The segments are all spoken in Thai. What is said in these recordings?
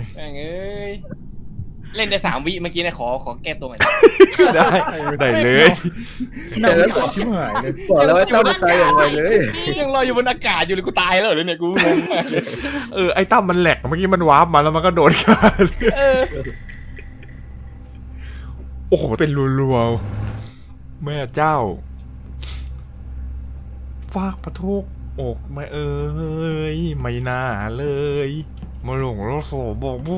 แม่งเอ้ยเล่นได้3 วิเมื่อกี้นะขอแก้ตัวใหม่ได้เลยแต่แล้วตอบชิบหายเลยบอกแล้วว่าเจ้าจะตายอย่างไรเลยยังลอยอยู่บนอากาศอยู่เลยกูตายแล้วเหรอเนี่ยกูงงมากเลยไอ้ตั้มมันแหลกเมื่อกี้มันวาร์ปมาแล้วมันก็โดนกัน โอ้โหเป็นรัวๆแม่เจ้าฟากปะทุกอกไม่ไม่น่าเลยมาหลงรถโสบอกบู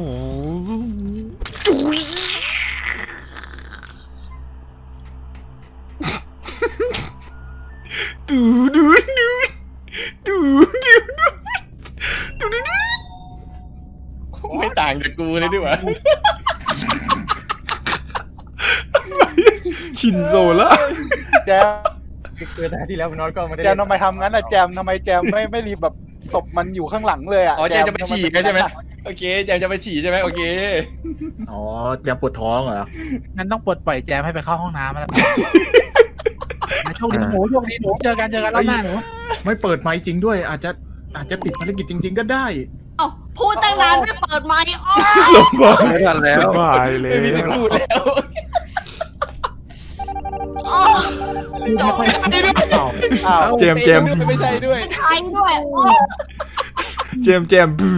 ดูดูดูดูดูดูดูไม่ต่างจากกูเลยดิวะชินโซละแจมเกิดที่แล้วนอนก็ไม่ได้แจมทำไมทำงั้นอะแจมทำไมแจมไม่รีบแบบศพมันอยู่ข้างหลังเลยอะอ๋อแจมจะไปฉี่กันใช่ไหมโอเคแจมจะไปฉี่ใช่ไหมโอเคอ๋อแจมปวดท้องเหรองั้นต้องปลดปล่อยแจมให้ไปเข้าห้องน้ำแล้วโชคดีหนูเจอกันรอบหน้าหนูไม่เปิดไมค์จริงด้วยอาจจะติดภารกิจจริง ๆ ก็ได้เอ้าพูดตั้งนานไม่เปิดไมค์อ๋อลงบอลไม่ทันแล้วสบายเลยไม่มีสิทธิ์พูดแล้วจบอ้าวเจมเจมไม่ใช่ด้วยไทยด้วยโอ้เจมเจมบื้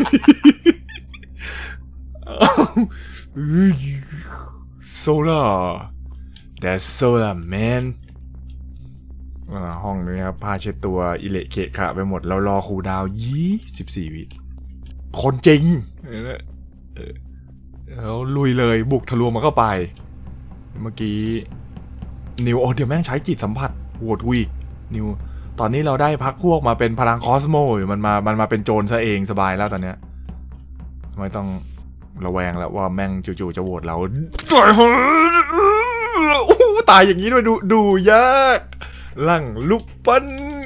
อโซล่า that's solar man ห้องนี้ครับผ้าเช็ดตัวอิเละเกะขะไปหมดแล้วรอครูดาว24 วิคนจริงแล้วลุยเลยบุกทะลวงมันเข้าไปเมื่อกี้นิวเดี๋ยวแม่งใช้จิตสัมผัสโหวตวีกนิวตอนนี้เราได้พักพวกมาเป็นพลังคอสโมอยู่มันมาเป็นโจรซะเองสบายแล้วตอนเนี้ยไม่ต้องระแวงแล้วว่าแม่งจู่ๆจะโหวตเราตายอย่างนี้ด้วยดูยากหลังลุกปั้น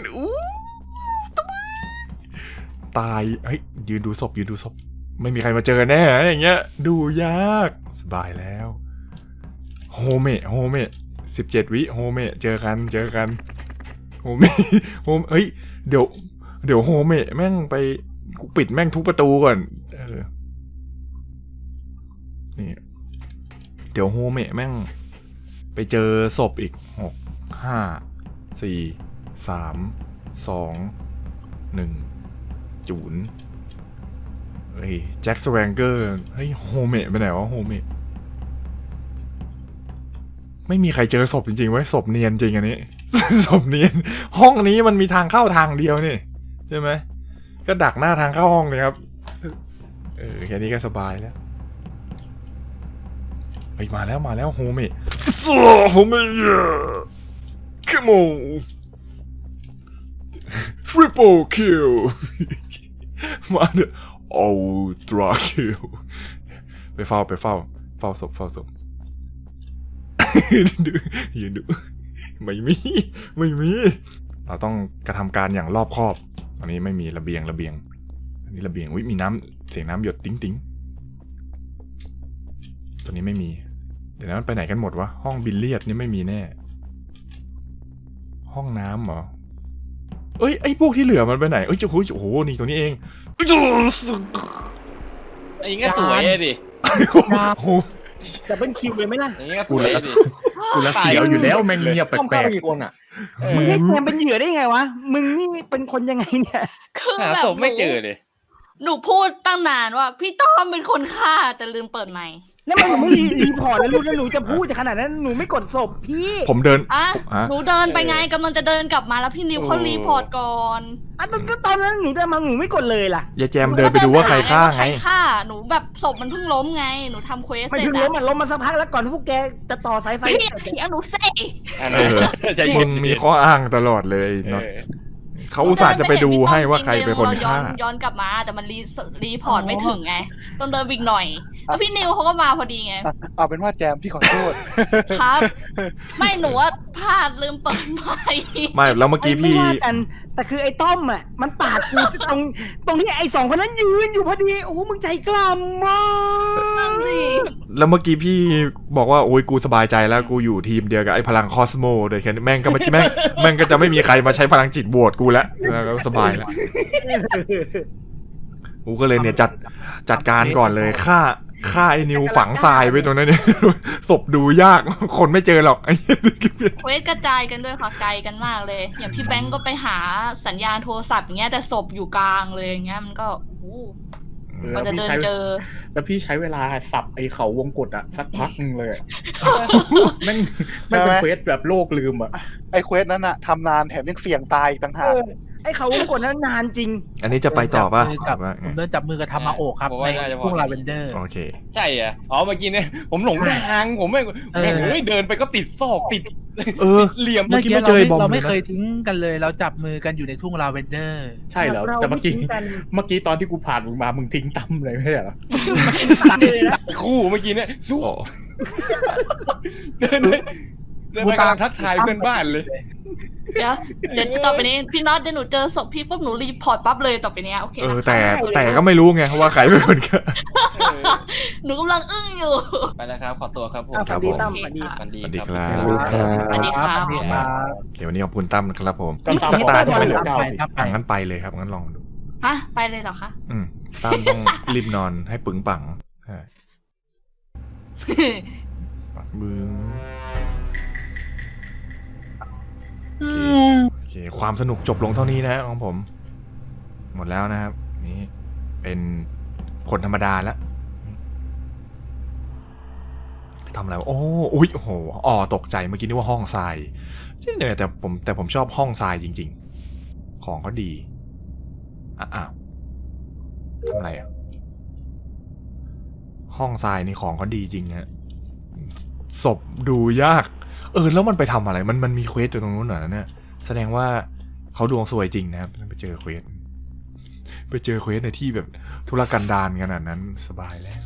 ตายเฮ้ยยืนดูศพไม่มีใครมาเจอแน่อย่างเงี้ยดูยากสบายแล้วโฮเมะ17 วิโฮเมะเจอกันโฮเมะเฮ้ยเดี๋ยวโฮเมะแม่งไปกูปิดแม่งทุกประตูก่อนนี่เดี๋ยวโฮเมะแม่งไปเจอศพอีก6 5 4 3 2 1จูนเฮ้ยแจ็คสแวงเกอร์เฮ้ยโฮเมะไปไหนวะโฮเมะไม่มีใครเจอศพจริงๆเว้ยศพเนียนจริงอันนี้ ศพเนียนห้องนี้มันมีทางเข้าทางเดียวนี่ใช่ไหมก็ดักหน้าทางเข้าห้องเลยครับแค่นี้ก็สบายแล้วเฮ้ยมาแล้วโฮเมะโฮเมะคิโม triple kill มาเถอะultra kill ไปเฝ้าศพยืนดูไม่มีเราต้องกระทำการอย่างรอบคอบอันนี้ไม่มีระเบียงอันนี้ระเบียงมีน้ำเสียงน้ำหยดติ๊งตัวนี้ไม่มีเดี๋ยวนั้นมันไปไหนกันหมดวะห้องบิลเลียดนี่ไม่มีแน่ห้องน้ำเหรอไอ้พวกที่เหลือมันไปไหนโอ้โหนี่ตัวนี้เองไอ้งี้ก็สวยดิแต่เป็นคิวเลยไหมล่ะอย่างงี้ก็สวยดิกูละเสียวอยู่แล้วแม่งเงียบแปลกอีกคนอ่ะมึงให้แจมเป็นเหยื่อได้ไงวะมึงนี่เป็นคนยังไงเนี่ยคือหาแบบศพไม่เจอเลยหนูพูดตั้งนานว่า พี่ต้อมเป็นคนฆ่าแต่ลืมเปิดไมค์แล้วมันไม่รีพอร์ตแล้วลูกแล้วหนูจะพูดจะขนาดนั้นหนูไม่กดศพพี่ผมเดินอ่ะหนูเดินไปไงกำลังจะเดินกลับมาแล้วพี่นิวเขารีพอร์ตก่อนตอนนั้นหนูเดินมาหนูไม่กดเลยล่ะยายแจมเดินไปดูว่าใครฆ่าไงใครฆ่าหนูแบบศพมันเพิ่งล้มไงหนูทำเควสไม่เสร็จถึงล้มมาสักพักแล้วก่อนที่พวกแกจะต่อสายไฟพี่เถียงหนูเซ่ใจมึเย็นงมีข้ออ้างตลอดเลยเนาะเขาอุตส่าห์จะไปดูให้ว่าใครเป็นคนฆ่าย้อนกลับมาแต่มันรีพอร์ตไม่ถึงไงต้องเดินวิ่งหน่อยแล้วพี่นิวเขาก็มาพอดีไงเอาเป็นว่าแจมพี่ขอโทษครับ ไม่หนูว่าพลาดลืมเปิดไมค์ไม่แล้วเมื่อกี้พี่ไม่ว่ากันแต่คือไอ้ต้อมอ่ะมันปาดกูตรงที่ไอ้2 คนนั้นยืนอยู่พอดีโอ้มึงใจกล้ามากสิแล้วเมื่อกี้พี่บอกว่าโอ้ยกูสบายใจแล้วกูอยู่ทีมเดียวกับไอ้พลังคอสโมโดยแค่นี้แม่งก็เมื่อกี้แม่งก็จะไม่มีใครมาใช้พลังจิตบวชกูแล้วก็สบายแล้วกูก็เลยเนี่ยจัดการก่อนเลยฆ่าไอ้นิวฝังทรายไว้ตรงนั้นเนี่ย ศพดูยากคนไม่เจอหรอกไอ้เควสกระจายกันด้วยค่ะไกลกันมากเลย อย่างพี่แบงก์ก็ไปหาสัญญาณโทรศัพท์อย่างเงี้ยแต่ศพอยู่กลางเลยอย่างเงี้ยมันก็โอ้โหกว่าจะเดินเจอแล้วพี่ใช้เวลาสับไอ้เขาวงกฏอะสักพักนึงเลยอะแม่งไม่เป็นเควสแบบโลกลืมอะไอ้เควสนั้นอะทำนานแถมยังเสี่ยงตายอีกต่างหากไอ้เขาวงกดนั้นนานจริงอันนี้จะไปต่อป่ะผมเดินจับมือกับทามาโอะครับผมในว่าน่าจะพอทุ่งลาเวนเดอร์โอเคใช่อ่ะอ๋อเมื่อกี้เนี่ยผมหลงทางผมไม่เดินไปก็ติดซอกติดเออเหลี่ยมเมื่เมื่ออกี้กี้ไม่เจอไอ้บอมเราไม่เลยนะเคยทิ้งกันเลย เราจับมือกันอยู่ในทุ่งลาเวนเดอร์ใช่เหรอแต่เมื่อกี้ตอนที่กูผ่านมึงมามึงทิ้งตั้มเลยไม่ใช่เหรอคู่เมื่อกี้เนี่ยสู้โอ้เดินไปกำลังทักทายเพื่อนบ้านเลยเดี๋ยวต่อไปนี้พี่น็อตเดี๋ยวหนูเจอศพพี่ปุ๊บหนูรีพอร์ตปั๊บเลยต่อไปเนี้ยโอเคเออนะคะแต่ก็ไม่รู้ไงว่าใครเป็นคนฆ่าหนูกำลังอึ้งอยู่ไปแล้วครับขอตัวครับผมครับผมตั้มสวัสดีสวัสดีสวัสดีคครัรับสวัสดีครับเดี๋ยววันนี้ขอบคุณตั้มนะครับผมก็ตามสักตาใช่ไหมเก้าสิครับอ่ะงั้นไปเลยครับงั้นลองดูฮะไปเลยเหรอคะตั้มต้องรีบนอนให้ปึงปังใช่ปักบึ้งโอเคความสนุกจบลงเท่านี้นะของผม หมดแล้วนะครับ นี่เป็นคนธรรมดาแล้วทำอะไรวะโอ้อุ๊ยโอ้โหอ๋อตกใจเมื่อกี้นึกว่าห้องทรายเนี่ยแต่ผมชอบห้องทรายจริงๆของเขาดีอ้าวทำอะไรอ่ะห้องทรายนี่ของเขาดีจริงฮะศพดูยากแล้วมันไปทำอะไรมันมีเควสอยู่ตรงนู้นเหรอเนี่ยแสดงว่าเขาดวงสวยจริงนะครับไปเจอเควสในที่แบบธุรกันดารขนาดนั้นสบายแล้ว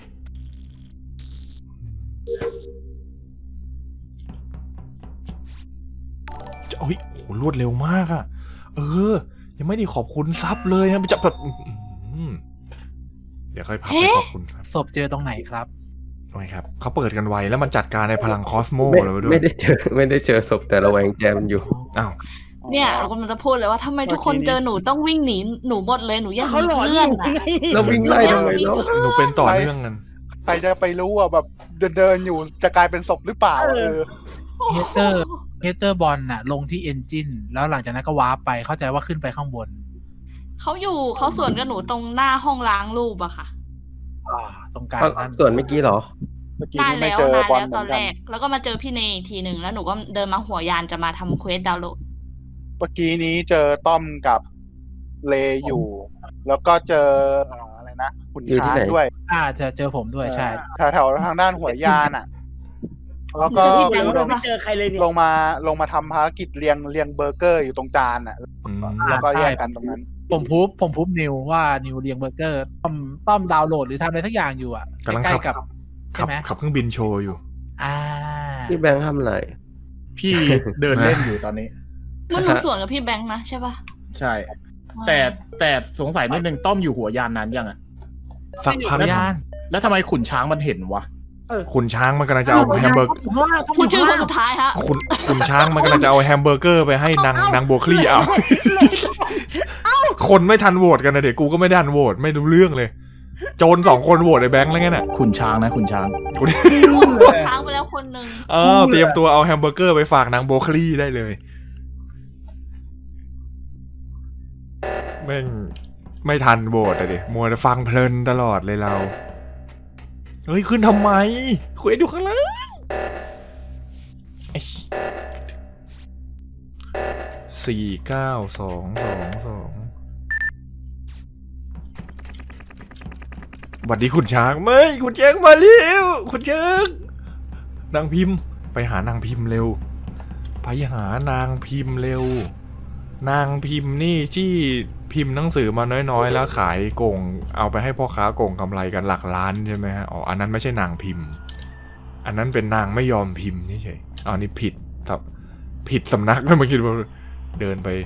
โอ้ยโหรวดเร็วมากอะยังไม่ได้ขอบคุณซับเลยนะจะแบบเดี๋ยวค่อยพักไปขอบคุณครับศพเจอตรงไหนครับโอ้ยครับเขาเปิดกันไวแล้วมันจัดการในพลังคอสโมเลยด้วยไม่ได้เจอศพแต่ระแวงแจมอยู่อ้าวเนี่ยเรากำลังจะพูดเลยว่าทำไมทุกคนเจอหนูต้องวิ่งหนีหนูหมดเลยหนูอยากเขามีหลอนเพื่อนอะเราวิ่งไล่ทำไมเนาะหนูเป็นต่อเนื่องกันใครจะไปรู้อ่ะแบบเดินอยู่จะกลายเป็นศพหรือเปล่าเฮเตอร์บอลน่ะลงที่เอนจินแล้วหลังจากนั้นก็วาร์ปไปเข้าใจว่าขึ้นไปข้างบนเขาสวนกับหนูตรงหน้าห้องล้างรูปอะค่ะตรงกลางนั้นส่วนเมื่อกี้เหรอเมื่อกี้นานนี้ไม่แล้วเจอนานบอลแล้วเหตมืออน นแรกันกแล้วก็มาเจอพี่เนยอีกทีหนึ่งแล้วหนูก็เดินมาหัวยานจะมาทำเควสดาวน์โหลดเมื่อกี้นี้เจอต้อมกับเลอยู่ แล้วก็เจออะไรนะขุนอยู่ที่ช้างไหนด้วยจะเจอผมด้วยใช่แถวทางด้านหัวยานอ่ะ แล้วก็เจอพี่แบเดี๋งยวค์เราไม่เจอใครเลยเนี่ยลงมาทำภารกิจเรียงเบอร์เกอร์อยู่ตรงจานอ่ะ แล้วก็แยกกันตรงนั้นผมพูบนิวว่านิวเลียงเบอร์เกอร์ต้อมดาวน์โหลดหรือทำอะไรสักอย่างอยู่อ่ะกำลังใกล้ขับๆกับใช่ไหมขับเครื่องบินโชว์อยู่พี่แบงค์ทำอะไรพี่เดินเล่นอยู่ตอนนี้มันหนูสวนกับพี่แบงค์นะใช่ปะใช่ แต่สงสัยนิดนึงต้อมอยู่หัวยานนานยังอะสักพักยานแล้วทำไมขุนช้างมันเห็นวะคุณช้างมันกำลังจะเอาแฮมเบอร์เกอร์พูดชื่อคนสุดท้ายฮะคุณช้างมันกำลังจะเอาแฮมเบอร์เกอร์ไปให้นางโบคลี่เอา คนไม่ทันโหวตกันนะเด็กกูก็ไม่ได้ทันโหวตไม่รู้เรื่องเลย โจร2 คนโหวตไอ้แบงค์แล้วไงน่ะขุนช้างนะขุนช้างช้างไปแล้วคนหนึ่งเตรียมตัวเอาแฮมเบอร์เกอร์ไปฝากนางโบคลี่ได้เลยแม่งไม่ทันโหวตอะดิมัวแต่ฟังเพลินตลอดเลยเราเฮ้ยขึ้นทำไมคุยอยู่ข้างล่าง492222สวัสดีคุณช้างไม่คุณแจ้งมาเร็วคุณแจ้งนางพิมพ์ไปหานางพิมพ์เร็วไปหานางพิมพ์เร็วนางพิมพ์นี่ที่พิมพ์หนังสือมาน้อยๆแล้วขายโกงเอาไปให้พ่อค้าโกงกำไรกันหลักล้านใช่ไหมฮะอ๋ออันนั้นไม่ใช่นางพิมพ์อันนั้นเป็นนางไม่ยอมพิมพ์เฉยๆอ๋อนี่ผิดสำนักเลยเมื่อกี้เดินไป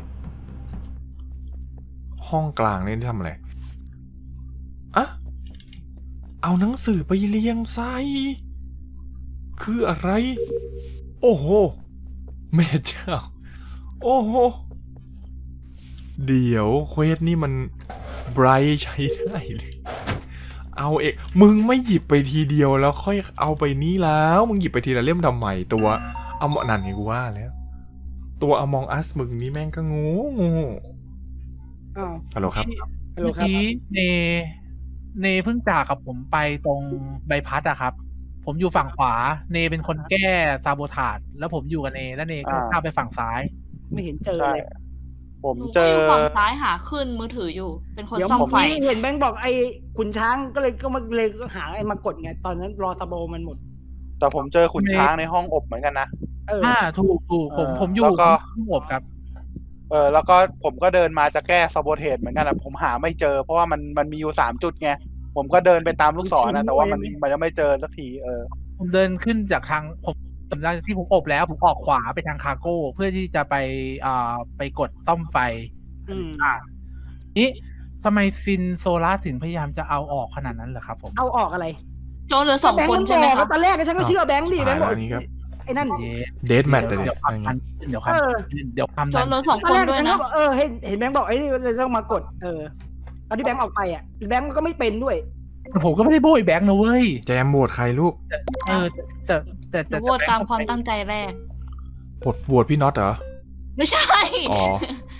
ห้องกลางนี่ทำอะไรอะเอาหนังสือไปเรียงไซคืออะไรโอ้โหแม่เจ้าโอ้โหเดี๋ยวเควสนี่มันไบรท์ใช้ได้เลยเอาเองมึงไม่หยิบไปทีเดียวแล้วค่อยเอาไปนี้แล้วมึงหยิบไปทีละเล่มทำไมตัวเอาหมอนั่นไงกูว่าแล้วตัวอมองอัสมึงนี่แม่งก็งูอ้าวฮัลโหลครับฮัลโหลเมื่อครับกี้เนเพิ่งจากกับผมไปตรงใบพัดอะครับ ผมอยู่ฝั่งขวา เนเป็นคนแก้ซาโบทาจแล้วผมอยู่กับเนแล้วเนก็ข้ามไปฝั่งซ้ายไม่เห็นเจอใช่เลยผมหนูเจก็ออยู่ฝั่งซ้ายหาขึ้นมือถืออยู่ เป็นคนเดี๋ยวซ่อมผมไฟเห็นแบงค์บอกไอ้ขุนช้างก็เลยหาไอ้มากดไงตอนนั้นรอซาโบมันหมดแต่ผมเจอขุนช้างในห้องอบเหมือนกันนะถูกผมอยู่แล้วก็ผมอบครับแล้วก็ผมก็เดินมาจะแก้ซาโบเทสเหมือนกันนะผมหาไม่เจอ เพราะว่ามันมีอยู่3 จุดไงผมก็เดินไปตามลูกศรนะแต่ว่ามันยังไม่เจอสักทีผมเดินขึ้นจากทางผมหลังจากที่ผมอบแล้วผมออกขวาไปทางคาร์โก้เพื่อที่จะไปกดซ่อมไฟ นี่ทำไมซินโซล่าถึงพยายามจะเอาออกขนาดนั้นเหรอครับผมเอาออกอะไรโจเหลือ2 คนใช่ไหมครับตอนแรกฉันก็เชื่อแบงค์ดิแบงค์บอกอันนี้ครับไอ้นั่นเดทแมทเลยเดี๋ยวความทันเดี๋ยวความโจทันเหลือ2 ตอนคนแรกด้วยฉันนะก็บอกเห็นแบงค์บอกไอ้นี่เลยต้องมากดตอนที่แบงค์ออกไปแบงค์ก็ไม่เป็นด้วยผมก็ไม่ได้โบยแบงค์นะเว้ยแจมโหวตใครลูกแต่หนูโหวตตามความตั้งใจแรกโหวตพี่น็อตเหรอไม่ใช่อ๋อ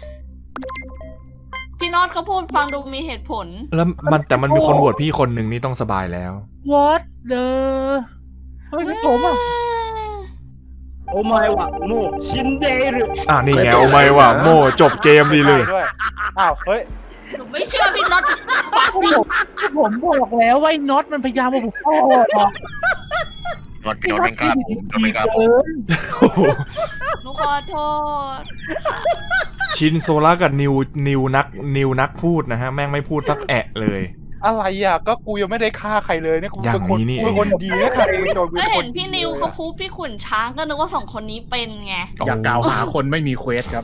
พี่น็อตเขาพูดฟังดูมีเหตุผลแล้วแต่มันมีคนโหวตพี่คนหนึ่งนี่ต้องสบายแล้ว What the ทำไมเป็นผมอ่ะโอ้ไม่ว่ะโมชินเดหรือนี่ไงเอาไม่ว่ะโมจบเกมดีเลยด้วยอ้าวเฮ้ยหนูไม่เชื่อพี่น็อตผมบอกแล้วว่าไอ้น็อตมันพยายามมาผมพ่อรถพี่รถไม่กล้าผมรถไม่กล้าผมหนูขอโทษชินโซล่ากับนิวนักพูดนะฮะ แม่งไม่พูดสักแอะเลยอะไรก็กูยังไม่ได้ฆ่าใครเลยเนี่ยกูอย่างนี้นี่เองเป็นคนดีนะใครโดนกูก็เป็นคเห็นนพี่นิวเขาพูดพี่ขุนช้างก็นึกว่า2 คนนี้เป็นไงอย่ากล่าวหาคนไม่มีเควสครับ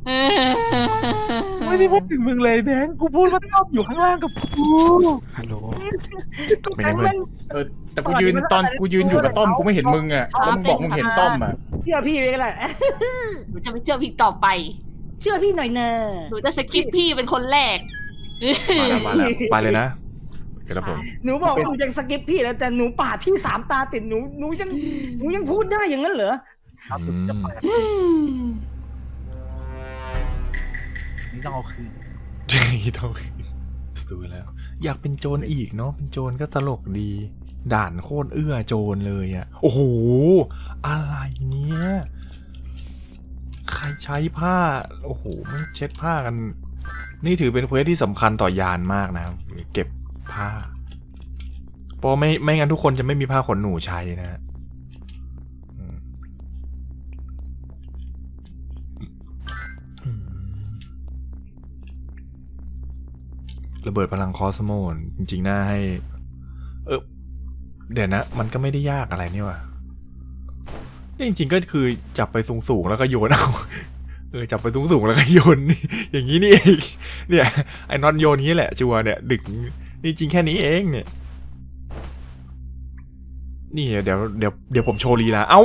ไม่ได้พูดถึงมึงเลยแบงค์กูพูดว่าต้อมอยู่ข้างล่างกับกูฮัลโหลแบงค์มันแต่กูยืนอยู่กับต้อมกูไม่เห็นมึงอ่ะแล้วมึงบอกมึงเห็นต้อมอ่ะเชื่อพี่ไปก็ได้หนูจะไม่เชื่อพี่ต่อไปเชื่อพี่หน่อยเนอะหนูจะสกิปพี่เป็นคนแรกมาแล้วไปเลยนะเดี๋ยวผมหนูบอกว่าหนูยังสกิปพี่แล้วแต่หนูปาดพี่3 ตาติดหนูยังพูดได้อย่างนั้นเหรอนี่ต้องเอาคืนต้องดูแล้ว อยากเป็นโจรอีกเนาะเป็นโจรก็ตลกดี ด่านโคตรเอื้อโจรเลยอ่ะโอ้โหอะไรเนี่ยใครใช้ผ้าโอ้โหมันเช็ดผ้ากัน นี่ถือเป็นเควสที่สำคัญต่อยานมากนะครับเก็บผ้าเพราะไม่งั้นทุกคนจะไม่มีผ้าขนหนูใช้นะฮะระเบิดพลังคอสโมนจริงๆน่าให้เดี๋ยวนะมันก็ไม่ได้ยากอะไรนี่ว่ะนี่จริงๆก็คือจับไปสูงๆแล้วก็โยนเอาจับไปสูงๆแล้วก็โยนอย่างนี้นี่เองเนี่ยไอ้น็อตโยนงี้แหละจัวเนี่ยดึกนี่จริงแค่นี้เองเนี่ยนี่เดี๋ยวผมโชว์ลีลาเอ้า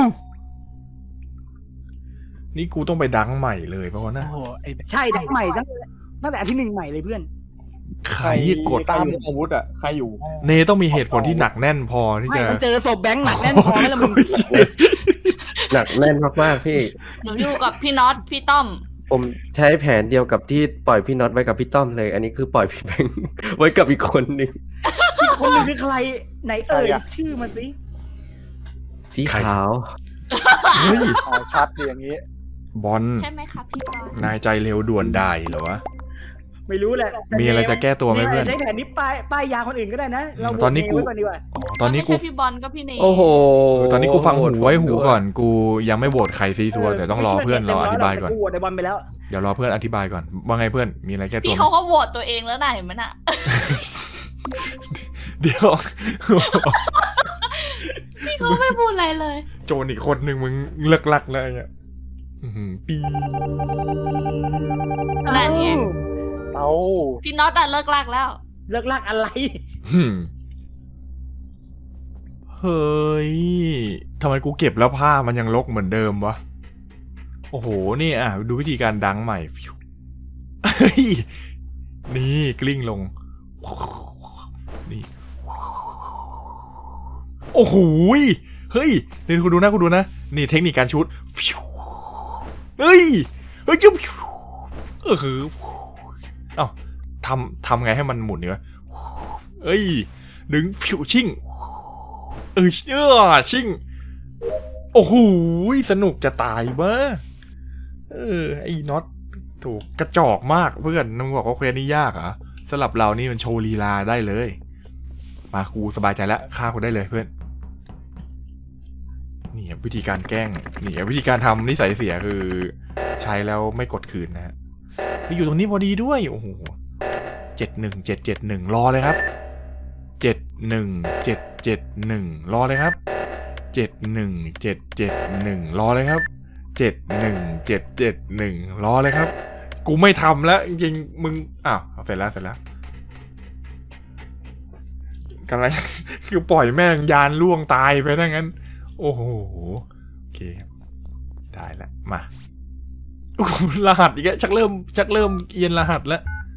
นี่กูต้องไปดังใหม่เลยเพราะว่านะโอ้โหไอ้ใช่ใหม่ตั้งแต่ที่1ใหม่เลยเพื่อนใครกดตามอาวุธใครอยู่เนต้องมีเหตุผลที่หนักแน่นพอที่ไม่จะมันเจอศพแบงค์หนักแน่นพอไหมล่ะมึงหนักแน่นมากๆพี่หนูอยู่กับพี่น็อตพี่ต้อมผมใช้แผนเดียวกับที่ปล่อยพี่น็อตไว้กับพี่ต้อมเลย อันนี้คือปล่อยพี่แบงค์ ไว้กับอีกคนหนึ่งอีกคนหนึงคือใครไหนชื่อมาสิสีขาวเฮ้ยชัดดีอย่างนี้บอลใช่ไหมครับพี่บอลนายใจเร็วด่วนได้เหรอวะไม่รู้แหละมีอะไรจะแก้ตัวไหมเพื่อนใช้แผนนี้ป้ายยาคนอื่นก็ได้นะเราตอนนี้กูไว้ก่อนดีกว่าตอนนี้ไม่กูใช่พี่บอลก็พี่เนยโอ้โหตอนนี้กูฟังหูไว้หูก่อนกูยังไม่โหวตใครซีซัวแต่ต้องรอเพื่อนเราอธิบายก่อนกูโหวตไอ้บอลไปแล้วเดี๋ยวรอเพื่อนอธิบายก่อนว่าไงเพื่อนมีอะไรแก้ตัวพี่ไหมเขาก็โหวตตัวเองแล้วนะเห็นไหมน่ะเดี๋ยวพี่เขาไม่พูดอะไรเลยโจรอีกคนหนึ่งมึงเลิกลักแล้วเนี่ยปีนั่นไงเอาพี่น็อตอะเลิกลากแล้วเลิกลากอะไรเฮ้ยทำไมกูเก็บแล้วผ้ามันยังรกเหมือนเดิมวะโอ้โหนี่ดูวิธีการดังใหม่เฮ้ยนี่กลิ้งลงนี่โอ้โหเฮ้ยเดี๋ยวคุณดูนะนี่เทคนิคการชูตเฮ้ยจุ๊บคือเอ้าทำไงให้มันหมุนเนี่ยเอ้ยดึงฟิวชิ่งชิ่งโอ้โหสนุกจะตายบ้าไอ้น็อตถูกกระจอกมากเพื่อนมึงบอกว่าเควสนี้ยากเหรอสำหรับเรานี่มันโชว์ลีลาได้เลยมากูสบายใจแล้วฆ่ากูได้เลยเพื่อนนี่วิธีการแกล้งนี่วิธีการทำนิสัยเสียคือใช้แล้วไม่กดคืนนะฮะอยู่ตรงนี้พอดีด้วยโอ้โห71771รอเลยครับ71771รอเลยครับ71771รอเลยครับ71771รอเลยครับกูไม่ทำแล้วจริงๆมึงอ้าวเสร็จแล้วกันอะไร คือปล่อยแม่งยานล่วงตายไปทั้งนั้นโอ้โหโอเคได้แล้วมารหัสอีกแล้วชักเริ่มเอียนรหัสแล้ว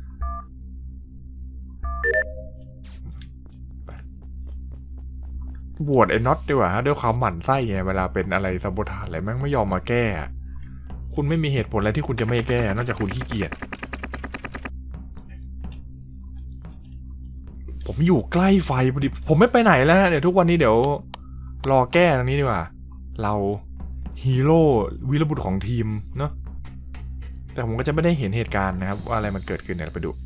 โหวตไอ้น็อตดีกว่าด้วยความหมั่นไส้ไงเวลาเป็นอะไรซาโบทาจอะไรแม่งไม่ยอมมาแก้คุณไม่มีเหตุผลอะไรที่คุณจะไม่แก้นอกจากคุณขี้เกียจผมอยู่ใกล้ไฟพอดีผมไม่ไปไหนแล้วเดี๋ยวทุกวันนี้เดี๋ยวรอแก้ตรงนี้ดีกว่าเราฮีโร่วีรบุรุษของทีมเนาะแต่ผมก็จะไม่ได้เห็นเหตุการณ์นะครับว่าอะไรมันเกิดขึ้นเดี๋ยวไปดู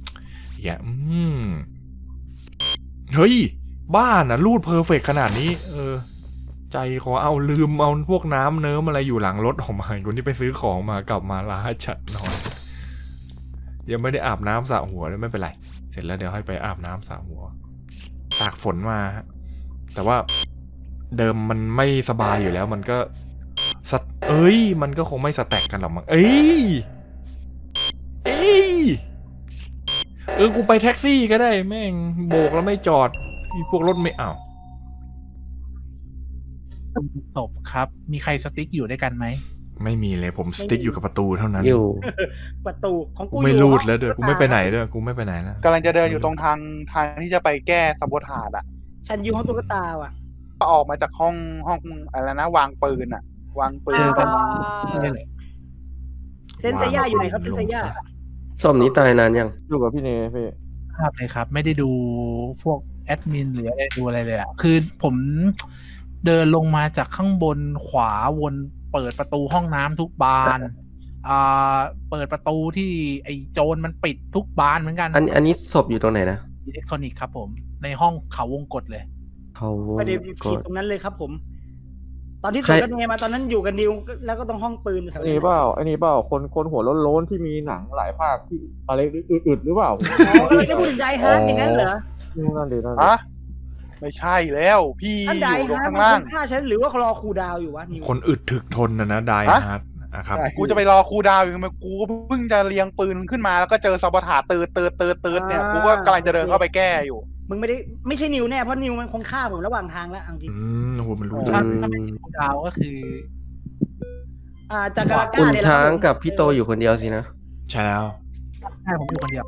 เฮ้ยบ้านนะรูดเพอร์เฟกขนาดนี้ใจขอเอาลืมเอาพวกน้ำเนิ้มอะไรอยู่หลังรถออกมาคนที่ไปซื้อของมากลับมาล้าจัดนอนยังไม่ได้อาบน้ำสระหัวเลยไม่เป็นไรเสร็จแล้วเดี๋ยวให้ไปอาบน้ำสระหัวตากฝนมาแต่ว่าเดิมมันไม่สบายอยู่แล้วมันก็มันก็คงไม่สแต็กกันหรอกมั้งกูไปแท็กซี่ก็ได้แม่งโบกแล้วไม่จอดพวกรถไม่เอาศพครับมีใครสติ๊กอยู่ด้วยกันไหมไม่มีเลยผมสติ๊กอยู่กับประตูเท่านั้นอยู่ประตูของกูไม่รูดแล้วด้วยกูไม่ไปไหนด้วยกูไม่ไปไหนแล้วกำลังจะเดินอยู่ตรงทางที่จะไปแก้ซาโบทาจฉันอยู่ห้องตุ๊กตาว่ะก็ออกมาจากห้องอะไรนะวางปืนวางปืนกันเซนเซย่าอยู่ไหนครับเซนเซย่าศพนี้ตายนานยังอยู่กับพี่เนพี่ครับเลยครับไม่ได้ดูพวกแอดมินหรืออะไรดูอะไรเลยคือผมเดินลงมาจากข้างบนขวาวนเปิดประตูห้องน้ำทุกบานเปิดประตูที่ไอ้โจรมันปิดทุกบานเหมือนกันอันนี้ศพอยู่ตรงไหนนะอิเล็กทรอนิกส์ครับผมในห้องเขาวงกตเลยประเดี๋ยวฉีดตรงนั้นเลยครับผมตอนที่สวนกันเนมาตอนนั้นอยู่กันดิวแล้วก็ต้องห้องปืนอันนี้เปล่าคนหัวโล้นๆที่มีหนังหลายภาคที่อะไรอึดหรือเปล่าจะพูดถึงไดฮาร์ดอย่างนั้นเหรอนั่นดีไม่ใช่แล้วพี่อยู่ข้างล่างฆ่าฉันหรือว่ารอคูดาวอยู่วะคนอึดถึกทนนะไดฮาร์ดครับกูจะไปรอคูดาวอยู่ทำไมกูก็เพิ่งจะเรียงปืนขึ้นมาแล้วก็เจอซาโบทาจตืดเนี่ยกูก็กำลังจะเดินเข้าไปแก้อยู่มึงไม่ใช่นิวแน่เพราะนิวมันคงฆ่าผมระหว่างทางแล้วจริงโอ้โหมันรู้ถ้าเป็นคูดาวก็คือจากกาลาก้าคุณช้างกับพี่โตอยู่คนเดียวสินะใช่แล้วใช่ผมอยู่คนเดียว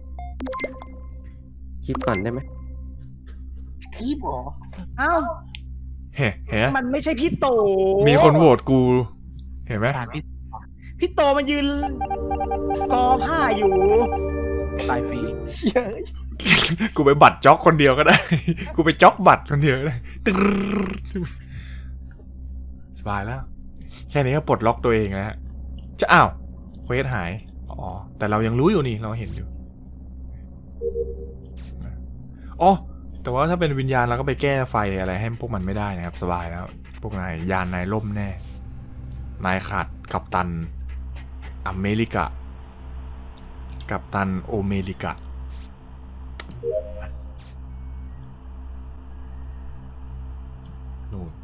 คลิปก่อนได้ไหมคลิปหรออ้าวมันไม่ใช่พี่โตมีคนโหวตกูเห็นไหมพี่โตมันยืนกอผ้าอยู่ตายฟรีกูไปบัตรจ็อกคนเดียวก็ได้กูไปจ็อกบัตรคนเดียวก็ได้สบายแล้วแค่นี้ก็ปลดล็อกตัวเองแล้วจะอ้าวเควสหายแต่เรายังรู้อยู่นี่เราเห็นอยู่แต่ว่าถ้าเป็นวิญญาณเราก็ไปแก้ไฟอะไรให้พวกมันไม่ได้นะครับสบายแล้วพวกนายยานนายล่มแน่นายขาดกัปตันอเมริกากัปตันโอเมริกานู่น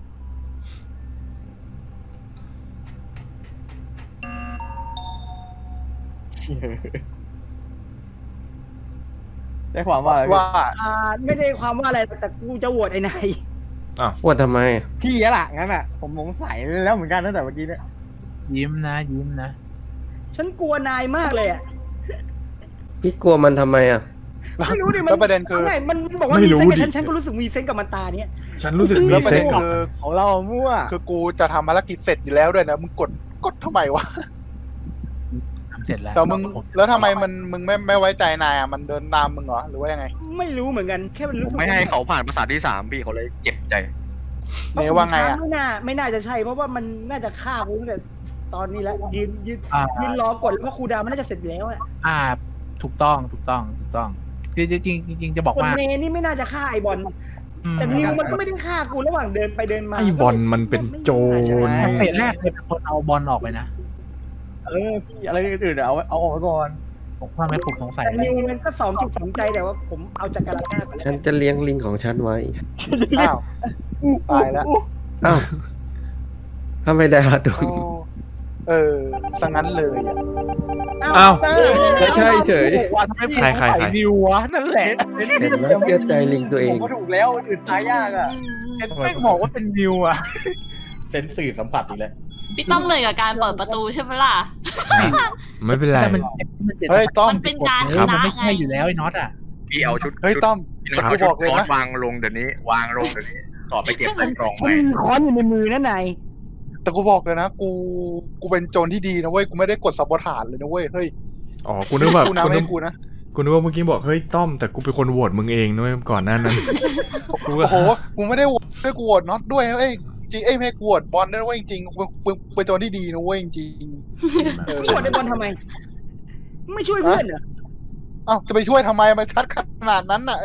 ได้ความว่าไม่ได้ความว่าอะไรแต่กูจะโหวตไอ้นายโหวตทำไมพี่ล่ะงั้นผมสงสัยแล้วเหมือนกันตั้งแต่เมื่อกี้เนี่ยยิ้มนะฉันกลัวนายมากเลยพี่กลัวมันทำไมอ่ะไม่รู้ดิมันแล้วประเด็นคือไม่มันบอกว่าไม่มีรู้เซนกับดิฉันก็รู้สึกมีเซนกับมันตาเนี้ยฉันรู้สึกแล้มีวประเซ็เด็กนกับคือของเรามั่วคือกูจะทำภารกิจเสร็จอยู่แล้วด้วยนะมึงกดทำไมวะทำเสร็จแล้วแต่มึงแล้วทำไมมึงไม่ไว้ใจนายอ่ะมันเดินตามมึงเหรอหรือว่ายังไงไม่รู้เหมือนกันแค่มันผรู้มสึกไม่ให้เขาผ่านภาษาที่3พี่เขาเลยเจ็บใจเนว่าไงอ่ะไม่น่าจะใช่เพราะว่ามันน่าจะฆ่ากูตั้งแต่ตอนนี้แล้วยืนรอกดแล้วว่าครูดาวมันน่าจะเสร็จอยู่แล้วอะถูกต้องจริงจะบอกคนว่าเนนี่ไม่น่าจะฆ่าไอบอลแต่นิวมันก็ไม่ได้ฆ่ากูระหว่างเดินไปเดินมาไอ้บอลมันเป็นโจรเฟสแรกเลยเป็นคนเอาบอลออกไปนะพี่อะไรอื่นๆเอาออกมาก่อนผมทำไมผมสงสัยแต่นิวมันก็2.2ใจแต่ว่าผมเอาจากการฆ่าไปแล้วฉันจะเลี้ยงลิงของฉันไว้อ้าวตายแล้วอ้าวทำไมได้ละดุงสังงั้นเลยอ่ะอ้าวไม่ใช่เฉยใครนิววะนั่นแหละเห็นไหมเชื่อใจลิงตัวเองผมก็ถูกแล้วอื่นตายยากอ่ะไม่บอกว่าเป็นนิวอ่ะเซนสื่อสัมผัสอีกแล้วพี่ต้อมเหนื่อยกับการเปิดประตูใช่ไหมล่ะไม่เป็นไรแต่มันเฮ้ยต้อมมันเป็นการชมันนะไม่ไงใช่อยู่แล้วไอ้น็อตอ่ะพี่เอาชุดเฮ้ยต้อมพี่แต่เอากูชุบดอกเลยคอนะสวางลงเดี๋ยวนี้ วางลงเดี๋ยวนี้ต่อไปเก็บใส่กล่องฉัใหม่นมีค้อนอยู่ในมือนั่นนายแต่กูบอกเลยนะกูเป็นโจรที่ดีนะเว้ยกูไม่ได้กดสับปฐานเลยนะเว้ยเฮ้ยอ๋อกูนึกว่ากูนะกูไม่นึกให้กูนะกูนึกว่าเมื่อกี้บอกเฮ้ยต้อมแต่กูเป็นคนโหวตมึงเองด้วยก่อนหน้านั้น กูก็โอ้โหกูไม่ได้โหวตด้วยกูโหวตน็อตด้วยเอ้ยจริงไม่กูโหวตบอลด้วยเว้ยจริงกูเป็นโจรที่ดีนะเว้ยจริงเออช่วยไอบอลทำไม ไม่ช่วยเพื่อนเหรอเอ้าจะไปช่วยทำไมมันชัดขนาดนั้นน่ะ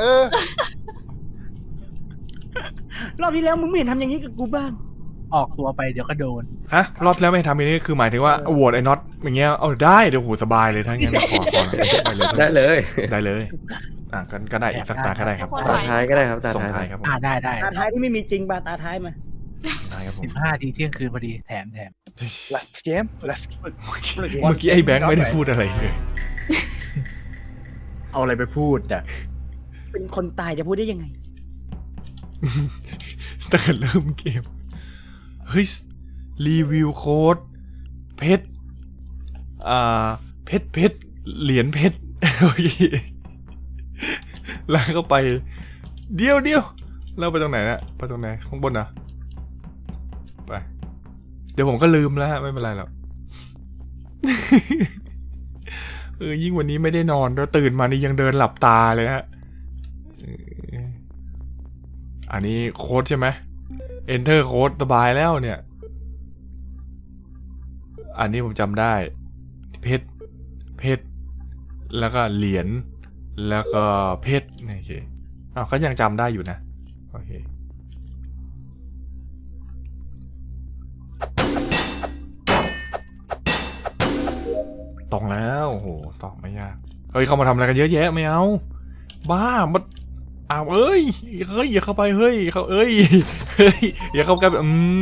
รอบที่แล้วมึงไม่เห็นทำอย่างนี้กับกูบ้างออกตัวไปเดี๋ยวก็โดนฮะรอบแล้วไม่ทำอย่างนี้คือหมายถึงว่าโหวตไอ้น็อตอย่างเงี้ยเอาได้เดี๋ยวหูสบายเลยทั้งงั้นขอไปเลยได้เลยได้เลยก็ได้อีกสักตาก็ได้ครับตาท้ายก็ได้ครับตาส่งท้ายท้ายครับผมได้ตาท้ายที่ไม่มีจริงป่ะตาท้ายมาได้ครับผม 15 ทีเที่ยงคืนพอดีแถม let's game let's เมื่อกี้ไอ้แบงค์ไม่ได้พูดอะไรเลยเอาอะไรไปพูดอ่ะเป็นคนตายจะพูดได้ยังไงตั้งแต่เริ่มเกมเฮ้ยรีวิวโค้ดเพชรเพชรเหรียญเพชรโอเคแล้วก็ไปเดี๋ยวแล้วไปตรงไหนนะไปตรงไหนข้างบนนะไปเดี๋ยวผมก็ลืมแล้วไม่เป็นไรหรอก ยิ่งวันนี้ไม่ได้นอนแล้วตื่นมานี่ยังเดินหลับตาเลยฮะอันนี้โค้ดใช่ไหม Enter โค้ดสบายแล้วเนี่ยอันนี้ผมจำได้เพชรแล้วก็เหรียญแล้วก็เพชรโอเคก็ยังจำได้อยู่นะโอเคตองแล้วโอ้โหตองไม่ยากเฮ้ยเขามาทำอะไรกันเยอะแยะไม่เอาบ้ามันเอ้ยอย่าเข้าไปเฮ้ยอย่าเข้าใกล้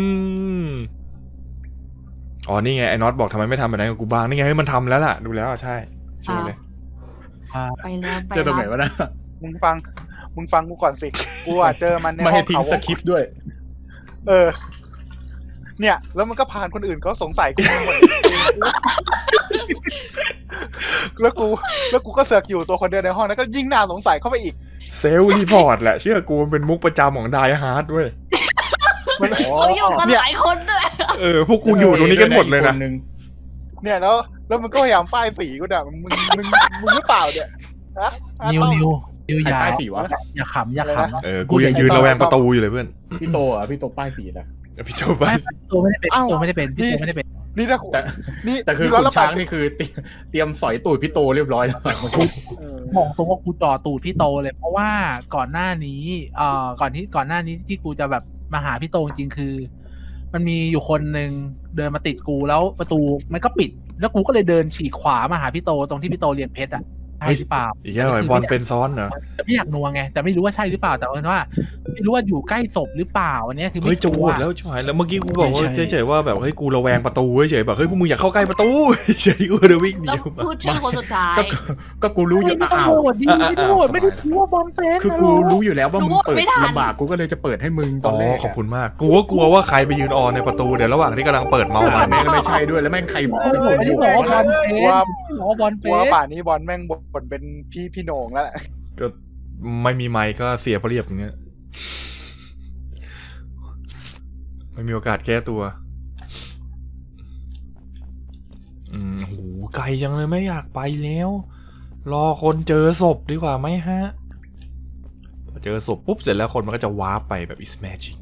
อ๋อนี่ไงไอ้น็อตบอกทำไมไม่ทำแบบนั้นกับกูบ้างนี่ไงเฮ้ยมันทำแล้วล่ะดูแล้วใช่ช่วยเลยไปแล้วเจอตรงไหนวะนะมึงฟังกูก่อนสิกูเจอมันในไม่ห้อให้งทิ้งเขาสคริปต์ด้วยเนี่ยแล้วมันก็ผ่านคนอื่นเขาสงสัยกูหมดแล้วกูก็เสือกอยู่ตัวคนเดียวในห้องนั้นก็ยิ่งน่าสงสัยเข้าไปอีกเซลล์รีพอร์ตแหละเชื่อกูมันเป็นมุกประจำของไดฮาร์ดด้วยเขาอยู่กันหลายคนด้วยพวกกูอยู่ตรงนี้กันหมดเลยนะเนี่ยแล้วมันก็พยายามป้ายสีกูเนี่ยมึงหรือเปล่าเนี่ยฮะนิวอย่าป้ายสีวะอย่าขำกูยังยืนระแวงประตูอยู่เลยเพื่อนพี่โตพี่โตป้ายสีนะพี่โจไปตัวไม่ได้เป็นพี่โตไม่ได้เป็นนี่ถ้าแต่คือคุณช้างนี่คือเตรียมสอยตูดพี่โตเรียบร้อยแล้วบอกตรงว่ากูจ่อตูดพี่โตเลยเพราะว่าก่อนหน้านี้ก่อนหน้านี้ที่กูจะแบบมาหาพี่โตจริงๆคือ มันมีอยู่คนหนึ่งเดินมาติดกูแล้วประตูมันก็ปิดแล้วกูก็เลยเดินฉีกขวามาหาพี่โตตรงที่พี่โตเรียนเพชรอ่ะใช่หรือเปล่าอีกแล้วไอ้บอลเป็นซ้อนเหรอแต่ไม่อยากนัวไงแต่ไม่รู้ว่าใช่หรือเปล่าแต่ว่าไม่รู้ว่าอยู่ใกล้ศพหรือเปล่าอันนี้คือเฮ้ยจะโหวตแล้วชิบหายแล้วเมื่อกี้กูบอกว่าเฉยๆว่าแบบเฮ้ยกูระแวงประตูเฉยๆแบบเฮ้ยพวกมึงอย่าเข้าใกล้ประตูเฉยกูจะวิ่งหนีแล้วพูดชื่อคนสุดท้ายก็กูรู้อยู่ไม่ต้องอ้าวโหวตดิไม่ต้องโหวตไม่ได้ถือว่าบอลเป็นคือกูรู้อยู่แล้วว่ามึงเปิดลำบากกูก็เลยจะเปิดให้มึงตอนแรกขอบคุณมากกูก็กลัวว่าใครไปยืนออนในประตูเดี๋ยวระหว่างที่กำลังเปิดเมาส์มันแม่งไม่ใช่ด้วยแล้วแม่งใครบอกไม่ได้บอกว่าบอลเป็นว่าป่านนี้บอลแม่งคนเป็นพี่โหน่งแล้วแหละก็ไม่มีไมค์ก็เสียเปรียบอย่างเงี้ยไม่มีโอกาสแก้ตัวโหไกลจังเลยไม่อยากไปแล้ว รอคนเจอศพดีกว่าไหมฮะพอเจอศพปุ๊บเสร็จแล้วคนมันก็จะวาร์ปไปแบบ is magic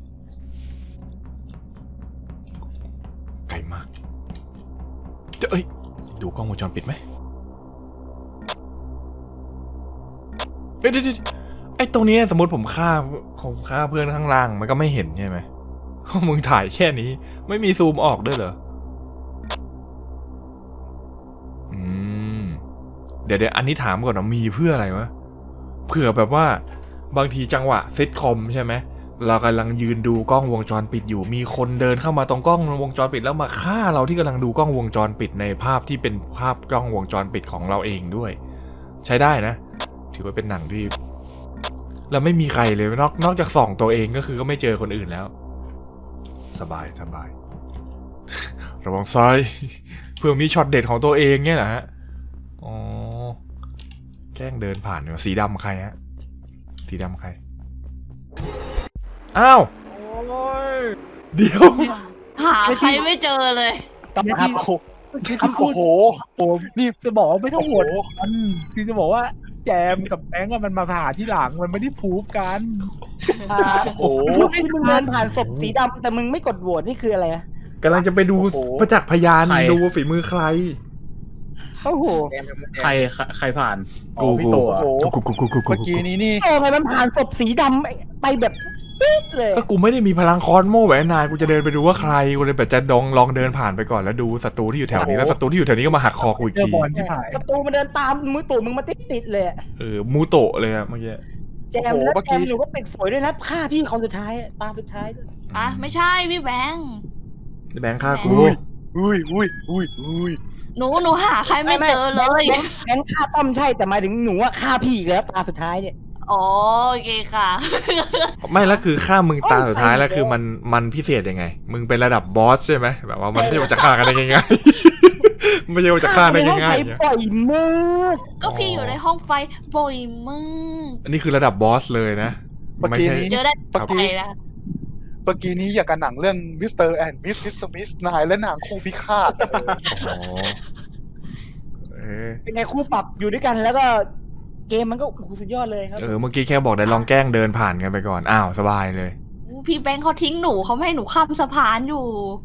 ไกลมากเอ้ยดูกล้องวงจรปิดไหมเดี๋ยวไอ้ตรงนี้สมมติผมฆ่าเพื่อนข้างล่างมันก็ไม่เห็นใช่ไหมมึงถ่ายแค่นี้ไม่มีซูมออกด้วยเหรอเดี๋ยวอันนี้ถามก่อนนะมีเพื่ออะไรวะเผื่อแบบว่าบางทีจังหวะเซตคอมใช่ไหมเรากำลังยืนดูกล้องวงจรปิดอยู่มีคนเดินเข้ามาตรงกล้องวงจรปิดแล้วมาฆ่าเราที่กำลังดูกล้องวงจรปิดในภาพที่เป็นภาพกล้องวงจรปิดของเราเองด้วยใช้ได้นะถือว่าเป็นหนังที่เราไม่มีใครเลยนอกจากส่องตัวเองก็คือก็ไม่เจอคนอื่นแล้วสบายระวังซ้ายเพื่อมีช็อตเด็ดของตัวเองเนี่ยนะฮะอ๋อแกล้งเดินผ่านสีดำใครฮะสีดำใครอ้าวเดี๋ยวหาใครไม่เจอเลยต้องครับโอ้โหนี่จะบอกว่าไม่ต้องโหวตกันคือจะบอกว่าแจมกับแบงก์มันมาผ่าที่หลังมันไม่ได้พูฟกันโอ้โหที่มึงเดินผ่านศพสีดำแต่มึงไม่กดโหวตนี่คืออะไรอะกำลังจะไปดูประจักษ์พยานดูฝีมือใครโอ้โหใครผ่านกูพี่โตอะโอ้โหเมื่อกี้นี้นี่โอ้ไงมันผ่านศพสีดำไปแบบปิ๊ดเลยก็กูไม่ได้มีพลังคอนโม่แหวนนายกูจะเดินไปดูว่าใครกูเลยแบบจะลองเดินผ่านไปก่อนแล้วดูศัตรูที่อยู่แถวนี้แล้วศัตรูที่อยู่แถวนี้ก็มาหักคอกูอีกเจอทีบอลที่หายศัตรูมันเดินตามมือตู่มึงมาติดเลยอะมูโตะเลยอะเมื่อกี้แจมแล้วแจมหรือว่าเป็นสวยด้วยนะฆ่าพี่คนสุดท้ายตาสุดท้ายด้วยอ่ะไม่ใช่พี่แบงค์แบงค์ฆ่ากูอุ้ยหนูหาใครไม่เจอเลยงั้นฆ่าต้อมใช่แต่หมายถึงหนูอะฆ่าพี่อีกแล้วตาสุดท้ายเนี่ยอ๋อโอเคค่ะไม่แล้วคือฆ่ามึงตาสุดท้ายแล้วคือมันพิเศษยังไงมึงเป็นระดับบอสใช่ไหมแบบว่ามันไม่ใช่ว่าจะฆ่ากันได้ง่ายๆไม่ใช่ว่าจะฆ่าได้ง่ายๆเนี่ยปล่อยมือก็พี่อยู่ในห้องไฟบ่อยมากอันนี้คือระดับบอสเลยนะเมื่อกี้นี้เจอได้ไปนะเมื่อกี้นี้อย่างกับหนังเรื่องมิสเตอร์แอนด์มิสซิสมิสนายและนางคู่พิฆาตอ๋อเป็นไงคู่ปรับอยู่ด้วยกันแล้วก็เกมมันก็สุดยอดเลยครับเมื่อกี้แค่บอกได้ลองแกล้งเดินผ่านกันไปก่อนอ้าวสบายเลยพี่แบงค์เขาทิ้งหนูเขาไม่ให้หนูข้ามสะพานอยู่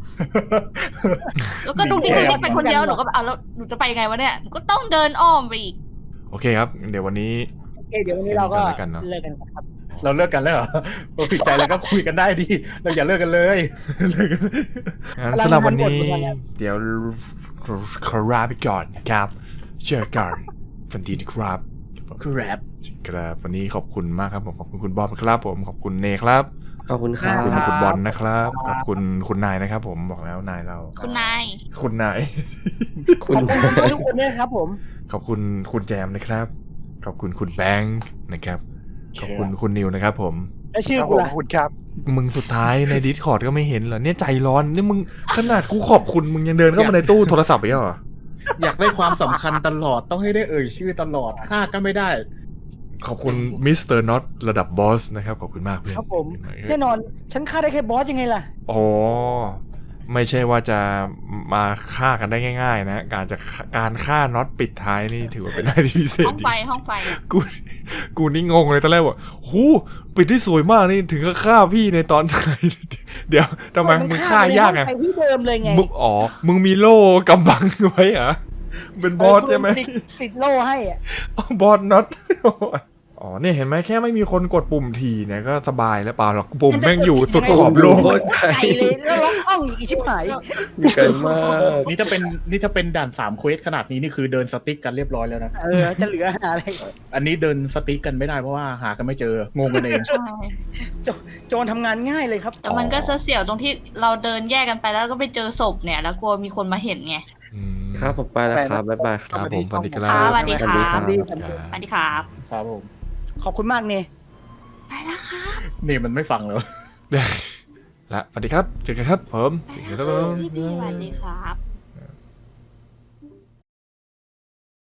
แล้วก็ดุ๊กดิ๊กไปคนเดียวหนูก็แบบแล้วหนูจะไปยังไงวะเนี่ยหนูก็ต้องเดินอ้อมไปอีกโอเคครับเดี๋ยววันนี้โอเคเดี๋ยววันนี้เราก็เลิกกันเนอะเลิกกันครับเราเลิกกันแล้วเหรอเราผิดใจแล้วก็คุยกันได้ดิเราอย่าเลิกกันเลยงั้นสำหรับวันนี้เดี๋ยวขอลาไปก่อนครับเจอกันฝันดีนะครับครับครับวันนี้ขอบคุณมากครับผมขอบคุณคุณบอมครับผมขอบคุณเนครับขอบคุณคขรัอบบคุณคุณบอลนะครับขอบคุณคุณนายนะครับผมบอกแล้วนายเราคุณนายคุณนายคุณขอบคุณทุกคนด้วยครับผมขอบคุณคุณแจมนะครับขอบคุณคุณแบงค์นะครับขอบคุณคุณนิวนะครับผมแล้วชื่อขอบกูล่ะคุณครับมึงสุดท้ายใน Discord ก็ไม่เห็นเหรอเนี่ยใจร้อนนี่มึงขนาดกูขอบคุณมึงยังเดินเข้ามาในตู้โทรศัพท์อีกเหรออยากได้ความสำคัญตลอดต้องให้ได้เอ่ยชื่อตลอดฆ่าก็ไม่ได้ขอบคุณมิสเตอร์น็อตระดับบอสนะครับขอบคุณมากเพื่อนครับผมแน่นอนฉันฆ่าได้แค่บอสยังไงล่ะอ๋อไม่ใช่ว่าจะมาฆ่ากันได้ง่ายๆนะการฆ่าน็อตปิดท้ายนี่ถือว่าเป็นอะไรที่พิเศษห้องดีไฟห้องไฟกูนี่งงเลยตอนแรกว่าหูปิดที่สวยมากนี่ถึงก็ฆ่าพี่ในตอนท้ายเดี๋ยวทำไมมึงฆ่ายากไงไปที่เดิมเลยไงมึงมีโล่กำบังไว้เหรอเป็นบอสใช่ไหมติดโล่ให้อะบอสน็อตอ๋อเนี่ยเห็นไหมแค่ไม่มีคนกดปุ่มทีเนี่ยก็สบายแล้วเปล่าหรอกปุ่มแม่งอยู่สุดขอบโลกไกลเลยแล้วล็อกห้องอีกชิบหายอยู่ไกลมากนี่ถ้าเป็นด่าน3เควสขนาดนี้นี่คือเดินสติ๊กกันเรียบร้อยแล้วนะจะเหลืออะไรอันนี้เดินสติ๊กกันไม่ได้เพราะว่าหากันไม่เจองงกันเองใช่โจรทำงานง่ายเลยครับแต่มันก็จะเสี่ยวตรงที่เราเดินแยกกันไปแล้วก็ไปเจอศพเนี่ย แล้วกลัวมีคนมาเห็นไงครับผมไปแล้วครับบ๊ายบายครับผมสวัสดีครัค่ะบสวัสดีครับสวัสดีสวัสดีครับครับผมขอบคุณมากเนี่ยไปแล้วครับนี่มันไม่ฟังเลยและสวัสดีครับเจอกันครับผมไปแล้วครับพี่สวัสดีครับ